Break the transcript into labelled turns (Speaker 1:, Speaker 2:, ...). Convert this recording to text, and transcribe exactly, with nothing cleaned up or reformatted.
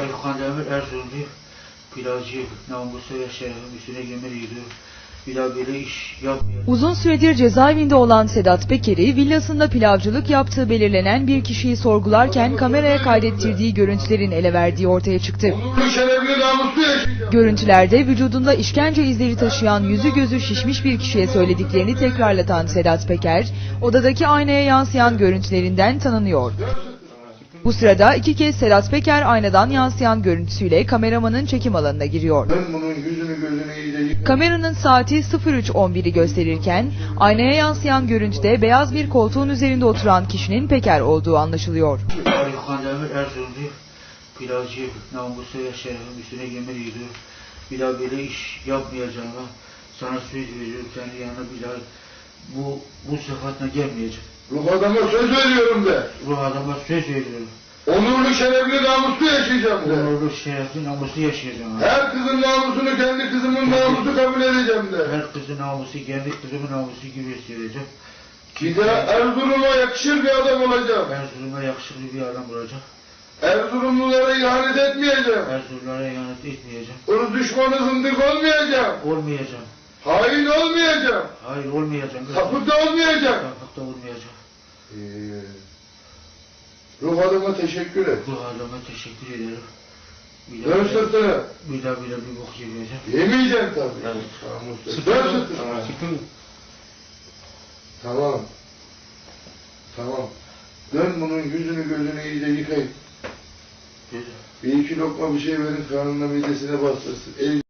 Speaker 1: Ayhan Demir Erzurumlu pilavcı namusu ve şerefim üstüne yemin ediyor. Bir daha böyle iş yapmayacağım.
Speaker 2: Uzun süredir cezaevinde olan Sedat Peker'i villasında pilavcılık yaptığı belirlenen bir kişiyi sorgularken kameraya kaydettirdiği görüntülerin ele verdiği ortaya çıktı.
Speaker 3: Onurlu şerefli namuslu yaşayacağım.
Speaker 2: Görüntülerde vücudunda işkence izleri taşıyan yüzü gözü şişmiş bir kişiye söylediklerini tekrarlatan Sedat Peker, odadaki aynaya yansıyan görüntülerinden tanınıyor. Bu sırada iki kez Sedat Peker aynadan yansıyan görüntüsüyle kameramanın çekim alanına giriyor.
Speaker 3: Ben bunun yüzünü gözünü iyice yıkayım.
Speaker 2: Kameranın saati sıfır üç on biri gösterirken aynaya yansıyan görüntüde beyaz bir koltuğun üzerinde oturan kişinin Peker olduğu anlaşılıyor.
Speaker 1: Ayhan Demir Erzurumlu pilavcı namusu ve şerefim üstüne yemin ediyor. Bir daha böyle iş yapmayacağıma sana söz veriyorum. Kendi yanına bir daha bu, bu sıfatla gelmeyeceğim.
Speaker 3: Ruh adama söz veriyorum de.
Speaker 1: Ruh adama söz veriyorum.
Speaker 3: Onurlu şerefli namuslu yaşayacağım de.
Speaker 1: Onurlu şerefli namuslu yaşayacağım.
Speaker 3: Her kızın namusunu kendi kızımın namusu kabul edeceğim de.
Speaker 1: Her kızın namusu kendi kızımın namusu gibi hissedeceğim.
Speaker 3: Bir de Erzurum'a yakışır bir adam olacağım.
Speaker 1: Erzurum'a yakışıklı bir adam olacak.
Speaker 3: Erzurumlulara ihanet etmeyeceğim.
Speaker 1: Erzurumlara ihanet etmeyeceğim.
Speaker 3: Irz düşmanı zındık olmayacağım.
Speaker 1: Olmayacağım.
Speaker 3: Hain olmayacağım.
Speaker 1: Hayır olmayacağım.
Speaker 3: Sapık da olmayacağım.
Speaker 1: Sapık da olmayacağım.
Speaker 3: Ee, ruh adama teşekkür et.
Speaker 1: Bu adama teşekkür ederim. Bir
Speaker 3: Dön sırtını.
Speaker 1: bir daha bir daha bir bok yemeyeceğim.
Speaker 3: Yemeyeceksin tabii.
Speaker 1: Evet.
Speaker 3: Namuslu. Dön sırtını.
Speaker 1: Sıkın.
Speaker 3: Tamam. Tamam. Dön bunun yüzünü gözünü iyice yıkayın. Bir iki lokma bir şey verin, karnına midesine bastırsın. El